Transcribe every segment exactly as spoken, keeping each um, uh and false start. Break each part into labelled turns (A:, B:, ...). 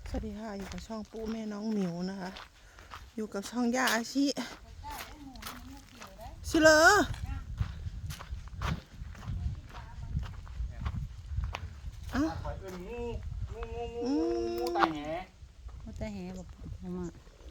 A: สวัสดีค่ะอยู่กับช่องปูแม่น้องหมิวนะคะอยู่กับช่องย่าอาชิชิเลอเอ้าอืม
B: ตายแห
C: ว่าแต่แหบอกมา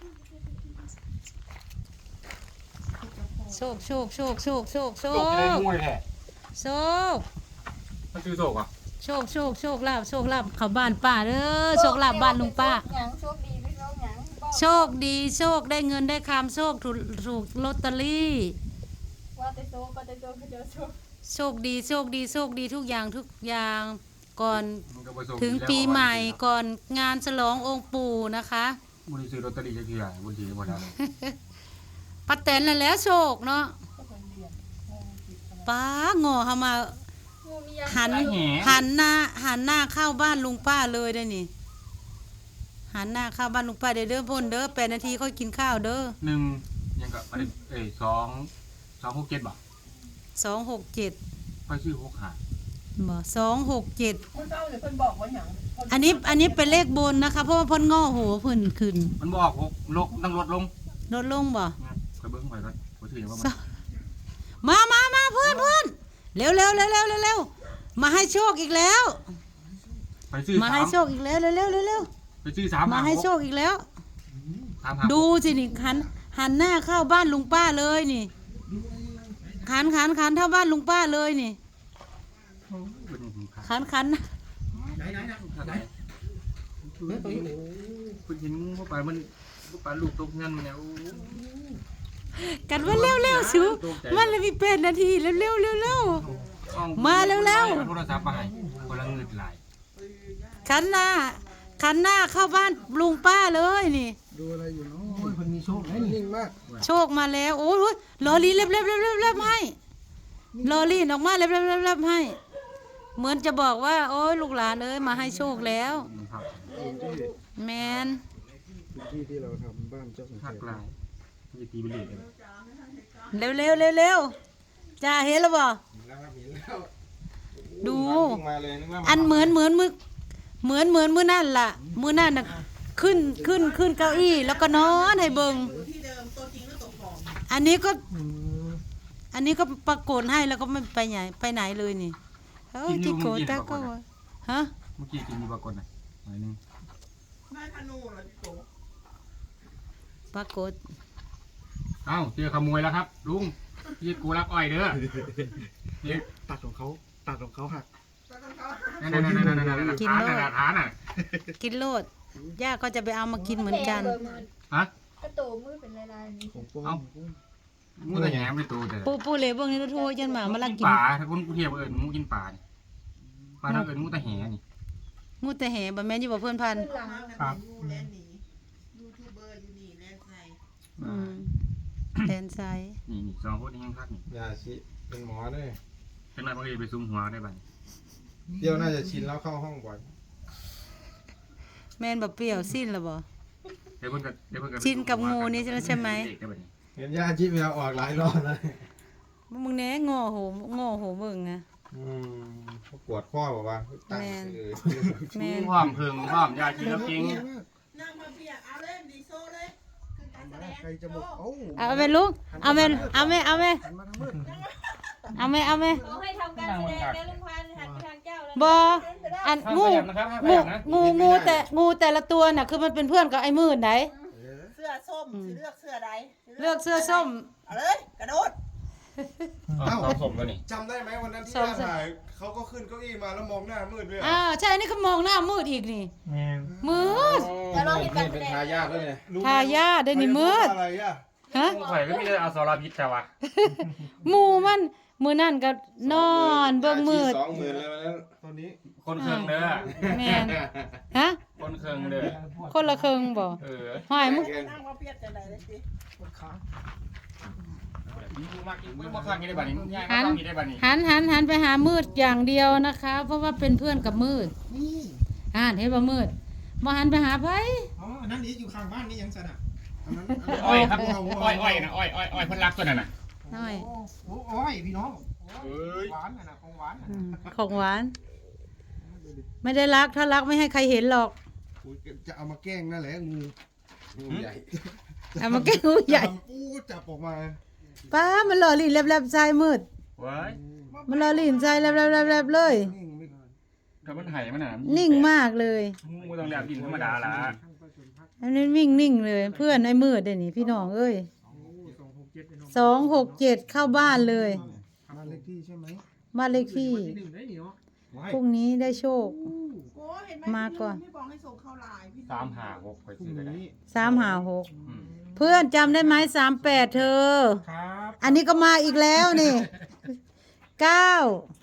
C: โชคโชคโชคโชคโชคโช
B: โศกจะได้
C: ค
B: มวยแท้
C: โชค
B: มันคือโศกอ่ะ
C: โชคโชคโชคลาบโชคลาบเข้าบ้านป้าเด้อโชคลาบบ้านลุงป้า
D: หยังโชคดีไม่โชคหยังบอก
C: โชคดีโชคได้เงินได้คำโชคถูกถูกลอตเตอรี่
D: ว่าแต่โชคก็แต่โชคก็เจอโชค
C: โชคดีโชคดีโชคดีทุกอย่างทุกอย่างก่อน
B: มันก็บ่โศก
C: ถึงปีใหม่ก่อนงานฉลององค์ปู่นะคะ
B: บุญซื้อลอตเตอรี่จะเกี่ยบุญถือหมดแล้ว
C: ป้าแตนนั่นแหล้วโชคเนาะป้าโง่เข้ามา
D: งูมียัง
C: หันหันหน้าหันหน้าเข้าบ้านลุงป้าเลยได้นี่หันหน้าเข้าบ้านลุงป้าเด้อเด้อพ่นเด้อแปดนาทีค่อยกินข้าวเด้อ
B: หนึ่งยังกับอะไรเอ้ยสองสองหกเจ็ดบ่
C: สองหกเจ็ด
B: ไปชื่อหกหา
C: บ่สองหกเจ็ด
A: เมื่อเช้าเนี่ยเพิ่นบอกว่าหยัง
C: อันนี้อันนี้เป็นเลขบนนะคะเพราะว่าเพ่นง้อหัวเพิ่นขึ้น
B: มันบอกหกลกต้องลดลง
C: ลดลงบ่
B: ไปเบิ้งไปก่อนบ่ถือว่า
C: สมามามาเพื่อนเพื่อนเร็วเร็วเร็วเร็วเร็วเร็วมาให้โชคอีกแล้ว
B: ไปซื้อ
C: มา
B: สา
C: ให้
B: ม
C: โชคอีกแล้วเร็วเร็วเร็วเร็ว
B: ไปซื้อสาม
C: มาให้โชคอีกแล้ว
B: สามหา
C: ดูสินี่หันหันหน้าเข้าบ้านลุงป้าเลยนี่ขันขันขันเท่าบ้านลุงป้าเลยนี่ขันขัน
B: ไหนไหนไหนคุณเห็นงูเข้าไปมันเข้าไปลูกตกเงินมันเนี่ยโอ้
C: กันว่าเร็วเร็วชูมันเลยมีเป็นนาทีเร็วเร็วเร็วเร็ว มาเร็วๆ
B: โทรศัพท์มาให้คนละเงินหลาย
C: ขันหน้าขันหน้าเข้าบ้านลุงป้าเลยนี่
E: ดูอะไรอยู่เนาะโอ้ยคนมีโชคนะนิ่งมาก
C: โชคมาแล้วโอ้ยลอรีเล็บเล็บเล็บเล็บเล็บให้ลอรีออกมาเล็บเล็บเล็บเล็บให้ เหมือนจะบอกว่า โอ้ยลูกหลานเอ้ยมาให้โชคแล้ว
B: ครับ
E: พื้นที่
C: แมน
E: พื้นที่ที่เราทำบ้านเจ้าสังเก
B: หัก
E: ต
B: หลายจะตีเป็นเหล็กเลย
C: เร็วเร็วเร็วเร็วจ้าเห็นแล้วบ่
E: แล้วครับเห็นแล้ว
C: ดู
E: วิ่งมาเลยนึกว่า
C: อันเหมือนเหมือนมือเหมือนเหมือนมือนั่นล่ะมือนั่นน่ะขึ้นขึ้นขึ้นเก้าอี้แล้วก็นอนให้เบิง
A: ที่เดิมตัวจริงหรือตัวปลอม
C: อันนี้ก็
E: อืม
C: อันนี้ก็ปรากฏให้แล้วก็ไม่ไปไหนไปไหนเลยนี่เฮ้ยจิโกตาก็ว่าฮะ
B: เมื่อกี้กินมีปรากฏนะหน่อยหนึง
A: ได้ธนูเหรอพี่โต
C: ปรากฏ
B: เอ้าเจอขโมยแล้วครับลุงพี่กูรักอ้อยเด้อนี่
E: ตัดของเขาตัดของเขาหัก
B: นั่นนั่นนั่นนั่นนั่นนั่นฐานน่ะฐานน่ะ
C: กินโลดย่าก็จะไปเอามากินเหมือนกัน
B: ฮะ
D: กระตูมือเป็นลายๆนี่
E: ของปลอ
B: เอ้า
E: ม
B: มูแต่แหนมไปตัวเด้อ
C: ปูปูเหลวเบิ่งนี่โทรยันหมามาลักกิน
B: ป่าถ้าคนกูเทียบเอิญมูกินป่านี่ป่าทางเอิญมูแต่แหนี่
C: งูแต่แห่บ่แม่นอยู่บ่เพิ่นพัน
D: ขึ้นหลัง
B: ครับ
A: ยูแลนหนียูทูบเบอร์อยู่นี่แลนไซ
C: อืมแทนไซ
B: นี่นี่สองคนนี้ยังคักนี่
E: ยาชิเป็นหมอด้วย
B: เป็นไรบางทีไปซุ่มหัวได้บ้าง
E: เดี๋ยวน่าจะชินแล้วเข้าห้องบ่อย
C: แม่นบ่เปรี้ยวสิ้นแล้วบ่
B: เดี๋ยวเพิ่นก็เดี๋ยวเพิ่นก็
C: ชินกับงูนี่ใช่ไหม
E: เห็นยาชิเวลาออกหลายรอบแล้ว
C: มึงแหน่งอโหงอโหเบิ่งนะ
E: อืมเขาปวดข้อบอกว่าตั้งชื่อ
C: แม่น
B: พร้อมเพิงพร้อมยากินแล้วจริง
A: นั่งมาเปียกเอาเล่นดีโซ่เลยคือการแสดง
E: ใครจะบอกเอ้า
C: เอาแม่ลูกเอาแม่เอาแม่เอาแม่
E: หันมาทางมืด
C: เอาแม่เอาแม่
D: เขาให้ทำการแสดงแล้วลุงพันธุ์หันไปทางเจ้าแล้ว
C: บ่อันงูงูงูงูแต่งูแต่ละตัวน่ะคือมันเป็นเพื่อนกับไอ้มืดไหน
A: เสื้อส้มสิเลือกเสื้อใด
C: เลือกเสื้อส้ม
A: เอาเลยกระโดด
B: เอ้าสมแล้วนี่
E: จำได้ไหมวันนั้นที่
C: สอง
E: ย่าถ่ายเขาก็ขึ้นเก้าอี้มาแล้วมองหน้ามืดด้วย
C: อ่าใช่อันนี้เขามองหน้ามืดอีกนี่
B: แม่น
C: มืด
D: แล้วเราเห็นการแส
E: เป็น
D: ดง
E: ทายาทแล้วเนี่ย
C: ทายาทได้นี่มืด
E: อะไรอ่ะ
C: ฮะ
B: ข่อยก็มีแต่อสรพิษแต่ว่า
C: หมูมันมือนั่นก็นอนเบิ่งมืด
E: สองหมื่นแล้ววันนั้นตอนนี้
B: คนเครื่องเด้อ
C: แม่นฮะ
B: คนเครื่องเด้อ
C: คนละครึ่งบ่
B: เออ
C: หอยมึง
A: นั่งมาเปียกจังไดเลยสิ
B: มีกูมากกินมึงบ่คักกินได้บัดนี้ยายบ่ต้องกินได้บัดนี้
C: หันหันหันไปหามืดอย่างเดียวนะคะ เพราะว่าเป็นเพื่อนกับมืด
E: นี่
C: อ่านเห็นบ่มืดบ่หันไปหาไผ
E: อ๋ออันนั้นนี่อยู่ข้างบ้านนี่ยังสนะอันนั้น
B: อ้อยครับอ้อยอ้อยนะอ้อยอ้อยอ้อยเพิ่นรักตัวนั้นน่ะ
C: น้อย
E: โอ้โหอ้อยพี่น้อง
B: เอ้ย
E: หวานน่ะนะของหวานน่ะ
C: อืมของหวาน ไม่ได้รักถ้ารักไม่ให้ใครเห็นหรอก
E: โกูจะเอามาแกล้งนั่นแหละงูงูใหญ่
C: เอามาแก้งูใหญ่
E: ปูจับออกมา
C: ป้ามันหล่อลิ้นแลบๆใจมืด
B: ไว้
C: มันหล่อลิ้นใจแลบๆๆๆเลย
E: นิ่งไม่
B: ถ้ามันไห่มันน่ะ
C: นิ่งมากเลย
B: งูต้องแลบดินธรรมดาล่ะ
C: อันนี้วิ่งนิ่งเลย เพื่อนไอ้มืดเดี๋ยวนี้พี่น้องเอ้ยสองหกเจ็ดเข้าบ้านเลย
E: บ้านเลขที่ใช่ไหม
C: บ้านเลขที่พรุ่งนี้ได้โชค
A: โอ้เห็นไหม
C: มาก่อน
A: พี่บอกให้ส่งเข้าไลน์พี่
B: สามห้าหกไป
E: พรุ่
B: ซื้
E: ง
B: อก็ได้
E: นี้
C: สามหาหก
B: อืม
C: เพื่อนจำได้ไหมสามแปดเธอ
E: ครับ
C: อันนี้ก็มาอีกแล้วนี่เก้า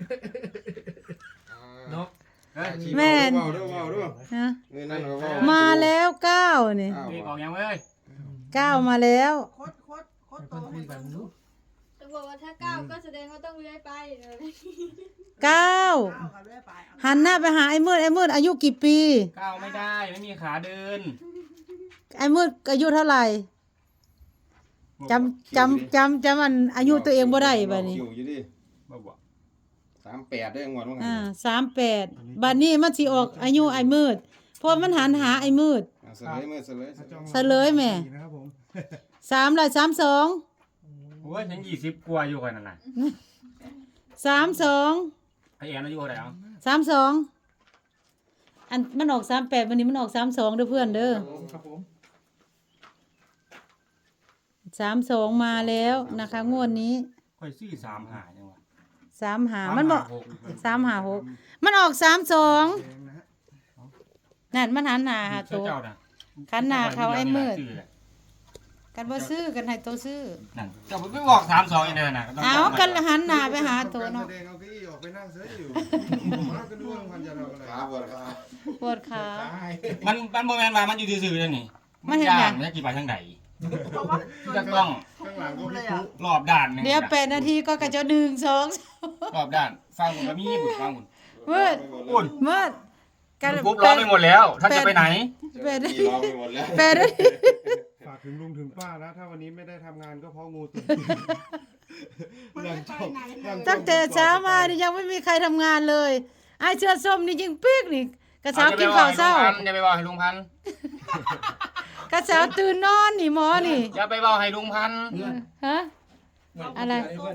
E: นก
C: แม่น
E: เว้าด้วยเว้าด้วย
C: ฮะ
E: เงินนั่นก็เว้า
C: มาแล้วเก้านี่
E: อ้าว
B: เด็กออกยังเว้ย
C: เก้ามาแล้ว
A: โคตรโคตรโคตรโตให้เบิ่งดู
D: จะบอกว่าถ้าก้าวก็แสดงว่าต้องเลื้อยไปเลย
C: เก้า
A: เอากันเรื่อยไปเอา
C: หันหน้าไปหาไอ้มืดไอ้มืดอายุกี่ปี
B: ก้าวไม่ได้ไม่มีขาเดิน
C: ไอ้มืดอายุเท่าไหร่จำจำจำจำมันอายุตัวเองบ่ได้บัดนี้
E: คิวอยู่ดิ
B: บ่บ่
E: สามแปดได้งวดว่าไง
C: อ่าสามแปดบัดนี้มันสิออกอายุไอ้มืดเพราะมันหันหาไอ้มืด
E: อ่ะเสลยมือเสลยเสลย
C: เฉลยแม่
E: นะครับผม
C: สามร้อยสามสอง
B: โอ้ยฉันยี่สิบกว่าอยู่กันนั่นน่ะ
C: สามสอง
B: ไอแอนอายุเท่าไหร่อ่ะ
C: สามสองอันมันออกสามแปดวันนี้มันออกสามสองเด้อเพื่อนเด้อ
E: ครับผม
C: สามสองมาแล้วนะคะงวดนี้
B: ค่อยซื้อสามหาจังวะ
C: สามหามันบอก
B: หก
C: สามหาหกมันออกสามสอง
E: แดงนะฮะ
C: นั่นมันหันหน้าหา
B: เจ้า
C: ตัว
B: เจ้าน่ะ
C: ขันหน้าเขาไอ้มืด
B: ซื้แหละ
C: กันบ่ซื้อกันให้ตัวซื้อ
B: นั่นเจ้าไม่บอกสามสองอย่างเดียวน่ะต้อง
C: เอา
B: บอก
C: กันหันหน้าไปหาตัว
E: การ
C: เนาะ
E: แสดงเอาเก้าอี้ออกไปนั่งเสืออยู่มาก็ดูว่ามันจะทำอะไรครับครับ
C: ปวดขา
B: มันมันโมแมนว่ามันอยู่ซื่อๆเลยนี่
C: มันเห็น
B: ย่า
C: หยัง
B: งมันจะกี่ไปทางไหน
A: เพราะว่า
B: จะต้อง
E: ข้างหลังก็
A: เล
E: พี่
A: ยอ่ะ
B: รอบด้านหนึง
C: เดี๋ยวแปดนาทีก็กระจะหนึ่งสอง
B: รอบด้านฟังผมก็มีบุญฟังบุญ
C: มืด
B: บุญ
C: มืดกัน
B: ปุ๊บร้องไปหมดแล้วท่านจะไปไหน
C: แปดนา
E: พี่
C: ที
E: ร้องไปหมดแล้ว
C: แปดนาที
E: ฝากถึงลุงถึงป้านะถ้าวันนี้ไม่ได้ทำงานก็เพราะงูตัวหลังจบหลังจบ
C: ตั้งแต่เช้ามานี่ยังไม่มีใครทำงานเลยไอ้เสื้อส้มนี่ยิงปีกนี่กระเช้ากินข้าวเช้า
B: อย่าไปบอกให้ลุงพันธุ์
C: กระเช้าตื่นนอนนี่หมอนี่
B: อย่าไปบอกให้ลุงพันธุ์
C: ฮะอะไร
A: เสื้อ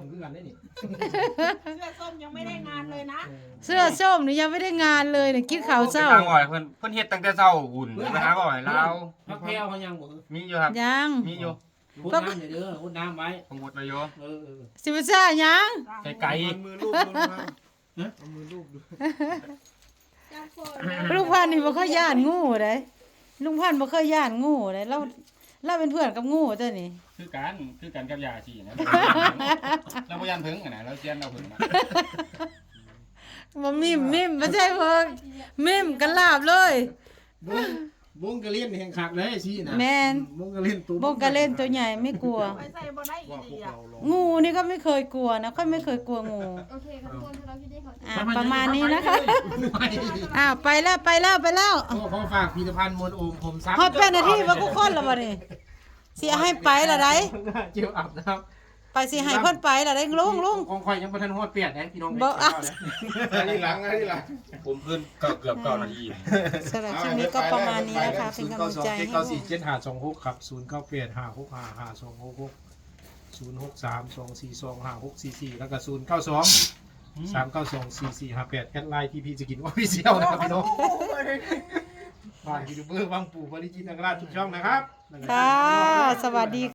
A: ส้มยังไม่ได้งานเลยนะ
C: เสื้อส้มนี่ยังไม่ได้งานเลยนี่กินข้าวเช้า
B: ไปทางบ่อยเพิ่นเพิ่นเฮ็ดตั้งแต่เช้าหุ่นไปหาบ่อยเรา
F: พักแพรวเขายังบอก
B: มีอยู่ครับ
C: ยัง
B: มีอยู่
F: พุดน้ำอย่าเด้อพุดน้ำไว้
B: ผมหมดไปอยู่
F: เออเออ
C: สิบซ่ายัง
B: ไก่ไก่
E: เอามือลูบดูนะครับเอามือลูบดู
D: จับโฟน
C: ลุงพันธุ์นี่บ่เคยย่านงูเด้ลุงพันธุ์บ่เคยย่านงูเด้เราเราเป็นเพื่อนกับงูเจ้านี่
B: คือกันคือกันกับยาชีนะเราบ่ยันเพิ่งกันนะเราเซียนเราเพิ่งนะ
C: บ่มิมมิมบ่ใช่เพิ่นมิมกันลาบเลย
F: วงวงกระเล่นแห่งขักเลยสินะ
C: แม่น
F: วงกระเล่นตัว
C: บงกะเล่นตัวใหญ่ไม่กลัว
A: ไปใส่บ่ได้อี
E: ว่าพว
A: ดี
E: ก
A: อ่ะ
E: เราลอง
C: งูนี่ก็ไม่เคยกลัวนะค่อยไม่เคยกลัวงู
D: โอเคครับทุกคนถ้าเราคิดได้เขา
C: อ่ะประมาณนี้นะคะอ้าวไปแล้วไปแล้วไปแล้ว
F: ขอขอฝากผลิตภัณฑ์มวลโอมผมซัก
C: ฮอดเป็นนาทีว่ากูคนและบ่นี่สิให้ไปละได้
F: เจียวอับนะครับ
C: ไปสิให้เพิ่นไปละได้ลุงลุง
F: ของข่อยยังบ่ทันฮอดเปียดนะพี่น้อง
C: บ่อ่ะ
E: อันนี้หลังอันนี้หลัง
B: ผมเพิ่นก็เกือบเก้านาที
C: สำหรับคลิปนี้ก็ประมาณนี้นะคะเป็นกำลังใจให้
F: เก้าสี่เจ็ดห้าสองหกครับศูนย์เก้าแปดห้าหกห้าห้าสองหกหกศูนย์หกสามสองสี่สองห้าหกสี่สี่แล้วก็ศูนย์เก้าสองสามเก้าสองสี่สี่ห้าแปดแอดไลน์ทีพีจะกินออฟฟิเชียลนะครับพี่น้องฝากยูทูบเบอร์วังปู่บริจิตรนคราชทุกช่องนะครับ
C: ค่ะ สวัสดี